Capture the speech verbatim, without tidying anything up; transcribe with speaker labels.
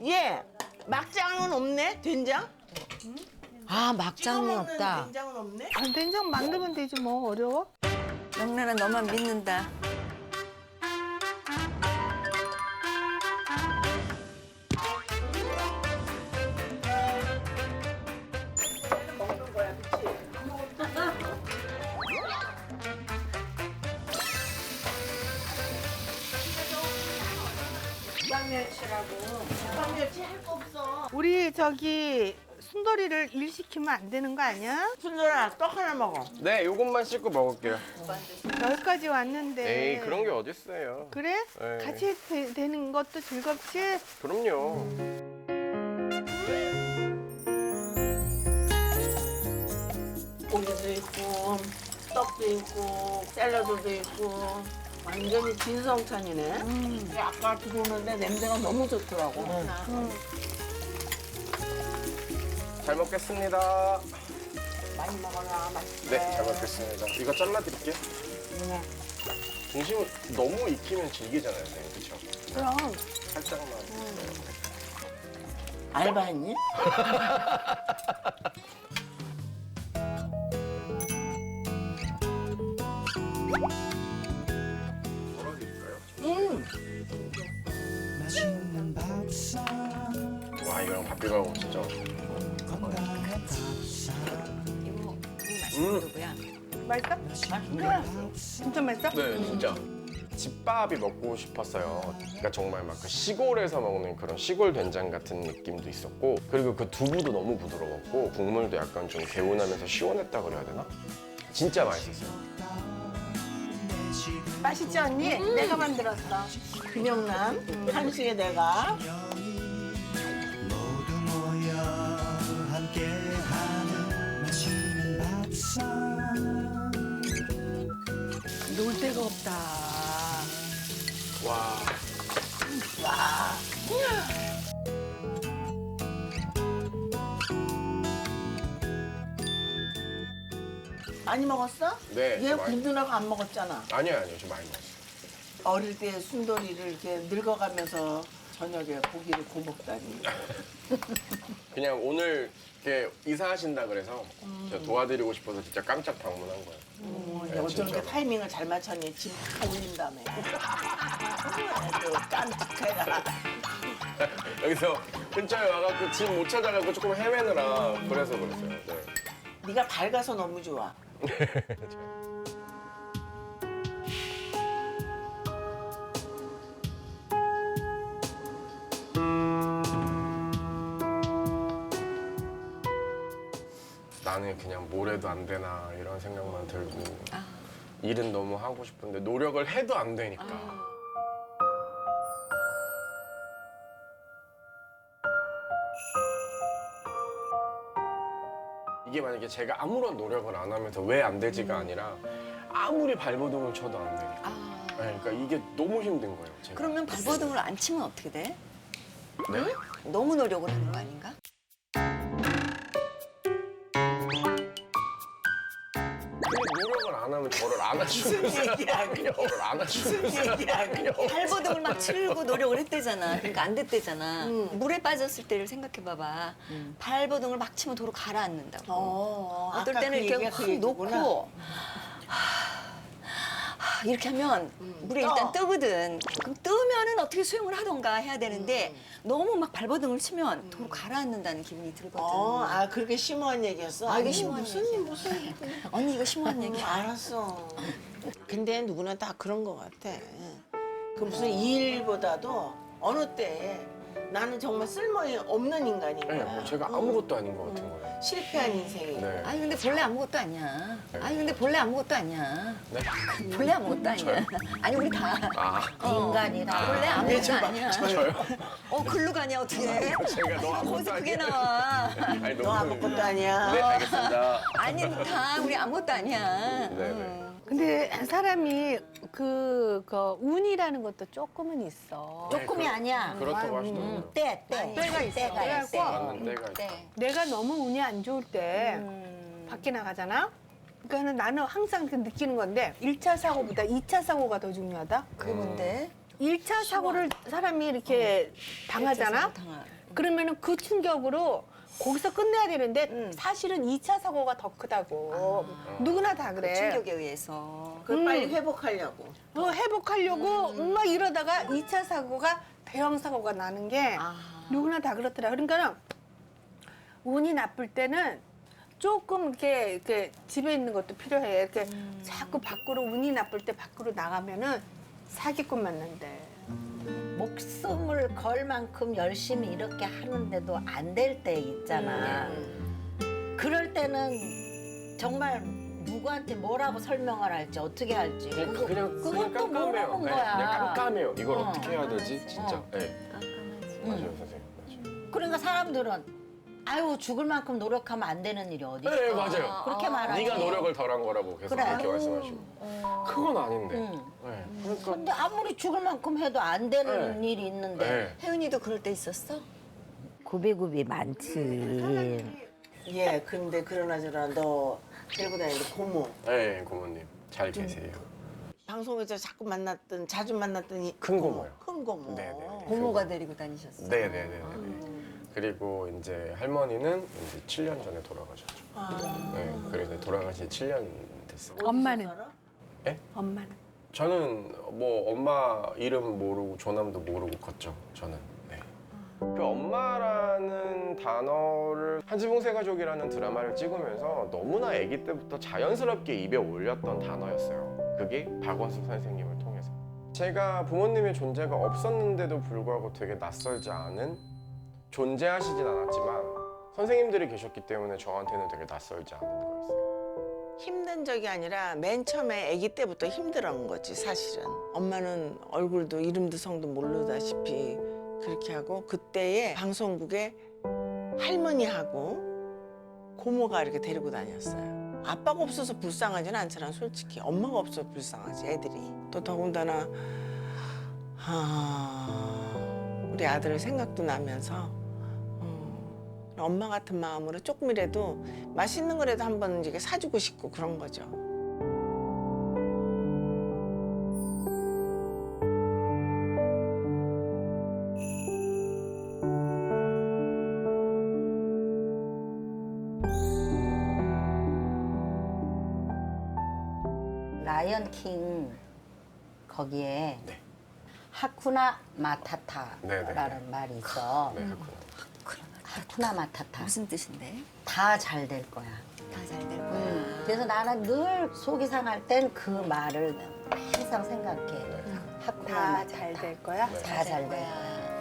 Speaker 1: 예, 막장은 없네? 된장?
Speaker 2: 아, 막장이
Speaker 1: 찍어 먹는
Speaker 2: 없다.
Speaker 1: 된장은 없네?
Speaker 3: 아, 된장 만들면 되지 뭐 어려워?
Speaker 2: 영란아, 너만 믿는다.
Speaker 1: 먹는 거야, 그치? 국방멸치라고. 국방멸치 할 거 없어.
Speaker 3: 우리 저기 순돌이를 일 시키면 안 되는 거 아니야?
Speaker 1: 순돌아, 떡 하나 먹어.
Speaker 4: 네, 요것만 씻고 먹을게요.
Speaker 3: 여기까지 왔는데.
Speaker 4: 에이, 그런 게 어딨어요.
Speaker 3: 그래?
Speaker 4: 네.
Speaker 3: 같이 되, 되는 것도 즐겁지?
Speaker 4: 그럼요.
Speaker 1: 고기도 있고, 떡도 있고, 샐러드도 있고. 완전히 진성찬이네. 근데 아까 들어오는데 냄새가 너무 좋더라고.
Speaker 4: 잘 먹겠습니다.
Speaker 1: 많이 먹어라, 맛있게.
Speaker 4: 네, 잘 먹겠습니다. 이거 잘라드릴게요.
Speaker 1: 네.
Speaker 4: 중심을 너무 익히면 질기잖아요, 선생님. 그쵸?
Speaker 1: 그럼
Speaker 4: 살짝만.
Speaker 1: 알바했니?
Speaker 4: 덜어드릴까요?
Speaker 1: 음.
Speaker 4: 와, 이거랑 밥 비벼 먹으면 진짜
Speaker 2: 이거, 이거
Speaker 4: 음.
Speaker 2: 맛있는 누구야?
Speaker 3: 맛있어?
Speaker 1: 맛있네.
Speaker 3: 진짜 맛있어?
Speaker 4: 네, 진짜. 집밥이 먹고 싶었어요. 그러니까 정말 막 그 시골에서 먹는 그런 시골 된장 같은 느낌도 있었고, 그리고 그 두부도 너무 부드러웠고, 국물도 약간 좀 개운하면서 시원했다 그래야 되나? 진짜 맛있었어요.
Speaker 3: 맛있지 언니? 내가 만들었어.
Speaker 1: 금영남 한식에 내가
Speaker 5: 모두 모여 함께하는 맛있는 밥상
Speaker 3: 놀 데가 없다.
Speaker 4: 와.
Speaker 1: 많이 먹었어?
Speaker 4: 네,
Speaker 1: 얘
Speaker 4: 많이.
Speaker 1: 군두나고 안 먹었잖아.
Speaker 4: 아니요, 아니요. 저 많이 먹었어요.
Speaker 1: 어릴 때 순돌이를 이렇게 늙어가면서 저녁에 고기를 구워 먹다니.
Speaker 4: 그냥 오늘 이렇게 이사하신다 그래서 제가 도와드리고 싶어서 진짜 깜짝 방문한 거예요.
Speaker 1: 어,
Speaker 4: 네,
Speaker 1: 어쩜
Speaker 4: 진짜로.
Speaker 1: 이렇게 타이밍을 잘 맞췄니? 짐다 올린 다음에. 아주 깜찍해라.
Speaker 4: 여기서 근처에 와갖고 집 못 찾아가고 조금 헤매느라 그래서 그랬어요. 네.
Speaker 1: 네가 밝아서 너무 좋아.
Speaker 4: 나는 그냥 뭘 해도 안 되나 이런 생각만 들고
Speaker 2: 아.
Speaker 4: 일은 너무 하고 싶은데 노력을 해도 안 되니까. 이게 만약에 제가 아무런 노력을 안 하면서 왜 안 되지가 아니라 아무리 발버둥을 쳐도 안 되니까.
Speaker 2: 아,
Speaker 4: 네, 그러니까 이게 너무 힘든 거예요. 제가.
Speaker 2: 그러면 발버둥을 안 치면 어떻게 돼?
Speaker 4: 네?
Speaker 2: 너무 노력을 하는 거 아닌가?
Speaker 4: 노력을 안 하면 저를 안아주는
Speaker 1: 무슨 얘기야,
Speaker 4: 사람이
Speaker 1: 그게.
Speaker 4: 저를 안아주는
Speaker 1: 무슨 얘기야,
Speaker 4: 사람이
Speaker 1: 그게.
Speaker 2: 발버둥을 막 치려고 노력을 했대잖아. 그러니까 안 됐대잖아. 물에 빠졌을 때를 생각해봐봐. 발버둥을 막 치면 도로 가라앉는다고.
Speaker 1: 어,
Speaker 2: 어떨
Speaker 1: 아까
Speaker 2: 때는
Speaker 1: 그
Speaker 2: 이렇게
Speaker 1: 얘기가 그
Speaker 2: 확
Speaker 1: 얘기구나.
Speaker 2: 놓고 하, 하, 이렇게 하면 물에
Speaker 1: 떠.
Speaker 2: 일단 뜨거든. 그럼 뜨면은 어떻게 수영을 하던가 해야 되는데
Speaker 1: 음.
Speaker 2: 너무 막 발버둥을 치면 도로 가라앉는다는 기분이 들거든.
Speaker 1: 어, 아 그렇게 심오한 얘기였어?
Speaker 2: 아, 이게
Speaker 1: 아니,
Speaker 2: 심오한
Speaker 1: 무슨
Speaker 2: 얘기야.
Speaker 1: 무슨
Speaker 2: 언니 이거 심오한
Speaker 1: 음,
Speaker 2: 얘기야.
Speaker 1: 알았어. 근데 누구나 다 그런 것 같아. 그 무슨 일보다도 어느 때에 나는 정말 쓸모 없는 인간인
Speaker 4: 네,
Speaker 1: 거야.
Speaker 4: 뭐 제가 아무것도 아닌 것 같은 거예요.
Speaker 1: 실패한 인생이.
Speaker 4: 네.
Speaker 2: 아니 근데 본래 아무것도 아니야. 아니 근데 본래 아무것도 아니야.
Speaker 4: 네?
Speaker 2: 본래 아무것도 아니야. 아니 우리 다
Speaker 4: 아,
Speaker 2: 어,
Speaker 1: 인간이다.
Speaker 2: 본래 아무것도 아니야.
Speaker 4: 저요?
Speaker 2: 어 글로 가냐 어떻게?
Speaker 4: 제가 너 아무것도
Speaker 2: 거기서 그게
Speaker 4: 아니야.
Speaker 2: 나와.
Speaker 4: 아니,
Speaker 1: 너
Speaker 4: 너무-
Speaker 1: 아무것도 아니야.
Speaker 4: 네, 알겠습니다.
Speaker 2: 아니 다 우리 아무것도 아니야.
Speaker 4: 네, 네.
Speaker 3: 근데 사람이 그, 그 운이라는 것도 조금은 있어.
Speaker 6: 조금이 아니야.
Speaker 4: 그렇다고 하시더라고요.
Speaker 6: 때, 때.
Speaker 3: 때가 있어.
Speaker 6: 때가
Speaker 3: 때가
Speaker 6: 있어.
Speaker 3: 있고.
Speaker 4: 맞는 때가 있다.
Speaker 2: 네.
Speaker 3: 내가 너무 운이 안 좋을 때
Speaker 2: 음.
Speaker 3: 밖에 나가잖아? 그러니까 나는 항상 그 느끼는 건데 일 차 사고보다 이 차 사고가 더 중요하다?
Speaker 2: 그게 뭔데?
Speaker 3: 일 차 사고를 사람이 이렇게 당하잖아?
Speaker 2: 당하.
Speaker 3: 그러면은 그 충격으로 거기서 끝내야 되는데
Speaker 2: 음.
Speaker 3: 사실은 이 차 사고가 더 크다고. 누구나 다
Speaker 2: 그
Speaker 3: 그래.
Speaker 2: 충격에 의해서.
Speaker 1: 그걸
Speaker 3: 음.
Speaker 1: 빨리 회복하려고.
Speaker 3: 어, 회복하려고 막 이러다가 이 차 사고가 대형 사고가 나는 게
Speaker 2: 아.
Speaker 3: 누구나 다 그렇더라. 그러니까는 운이 나쁠 때는 조금 이렇게, 이렇게 집에 있는 것도 필요해. 이렇게 자꾸 밖으로 운이 나쁠 때 밖으로 나가면은 사기꾼 만난대.
Speaker 6: 목숨을 걸 만큼 열심히 이렇게 하는데도 안 될 때 있잖아. 그럴 때는 정말 누구한테 뭐라고 설명을 할지 어떻게 할지
Speaker 4: 그냥
Speaker 6: 그거,
Speaker 4: 그냥 그냥
Speaker 6: 그것도
Speaker 4: 깜깜해요.
Speaker 6: 모르는
Speaker 4: 네,
Speaker 6: 거야.
Speaker 4: 그냥 깜깜해요. 이걸
Speaker 6: 어.
Speaker 4: 어. 떻게 해야 되지? 진짜.
Speaker 6: 어.
Speaker 4: 네.
Speaker 2: 깜깜하지.
Speaker 4: 맞아요, 선생님. 맞아요.
Speaker 6: 그러니까 사람들은 아유 죽을 만큼 노력하면 안 되는 일이 어디 있어.
Speaker 4: 네, 맞아요.
Speaker 6: 그렇게 말하지.
Speaker 4: 네가 노력을 덜한 거라고 계속
Speaker 6: 그래.
Speaker 4: 그렇게 말씀하시고. 그건 아닌데.
Speaker 6: 응.
Speaker 4: 네. 그러니까.
Speaker 6: 근데 아무리 죽을 만큼 해도 안 되는
Speaker 4: 네.
Speaker 6: 일이 있는데
Speaker 4: 네.
Speaker 2: 혜은이도 그럴 때 있었어?
Speaker 6: 구비구비 많지.
Speaker 1: 예, 근데 그러나 저러나 너 데리고 다니는 고모.
Speaker 4: 네, 고모님 잘 계세요.
Speaker 1: 방송에서 자꾸 만났던, 자주 만났던 이
Speaker 4: 큰 고모요.
Speaker 1: 큰 고모.
Speaker 4: 네네.
Speaker 2: 고모가 데리고 다니셨어?
Speaker 4: 네네네. 그리고 이제 할머니는 이제 칠 년 전에 돌아가셨죠. 네, 그래서 돌아가신 칠 년 됐어요.
Speaker 3: 엄마는?
Speaker 4: 예?
Speaker 3: 엄마는?
Speaker 4: 저는 뭐 엄마 이름 모르고 조남도 모르고 컸죠. 저는. 네. 그 엄마라는 단어를 한지붕 세가족이라는 드라마를 찍으면서 너무나 아기 때부터 자연스럽게 입에 올렸던 단어였어요. 그게 박원숙 선생님을 통해서. 제가 부모님의 존재가 없었는데도 불구하고 되게 낯설지 않은 존재하시진 않았지만 선생님들이 계셨기 때문에 저한테는 되게 낯설지 않은 거였어요.
Speaker 1: 힘든 적이 아니라 맨 처음에 아기 때부터 힘들어한 거지 사실은. 엄마는 얼굴도 이름도 성도 모르다시피 그렇게 하고 그때에 방송국에 할머니하고 고모가 이렇게 데리고 다녔어요. 아빠가 없어서 불쌍하지는 않잖아 솔직히. 엄마가 없어서 불쌍하지 애들이. 또 더군다나 아, 우리 아들 생각도 나면서 어, 엄마 같은 마음으로 조금이라도 맛있는 거라도 한번 이렇게 사주고 싶고 그런 거죠.
Speaker 6: 라이언킹 거기에
Speaker 4: 네.
Speaker 6: 하쿠나 마타타라는
Speaker 4: 네네.
Speaker 6: 말이 있어.
Speaker 4: 네, 그렇구나.
Speaker 6: 하쿠나 마타타.
Speaker 2: 무슨 뜻인데?
Speaker 6: 다 잘 될 거야.
Speaker 2: 다 잘 될 거야.
Speaker 6: 음. 그래서 나는 늘 속이 상할 땐 그 말을 항상 생각해. 하쿠나
Speaker 3: 다
Speaker 6: 마타타.
Speaker 3: 잘 될 거야?
Speaker 4: 네.
Speaker 6: 다 잘 될 거야.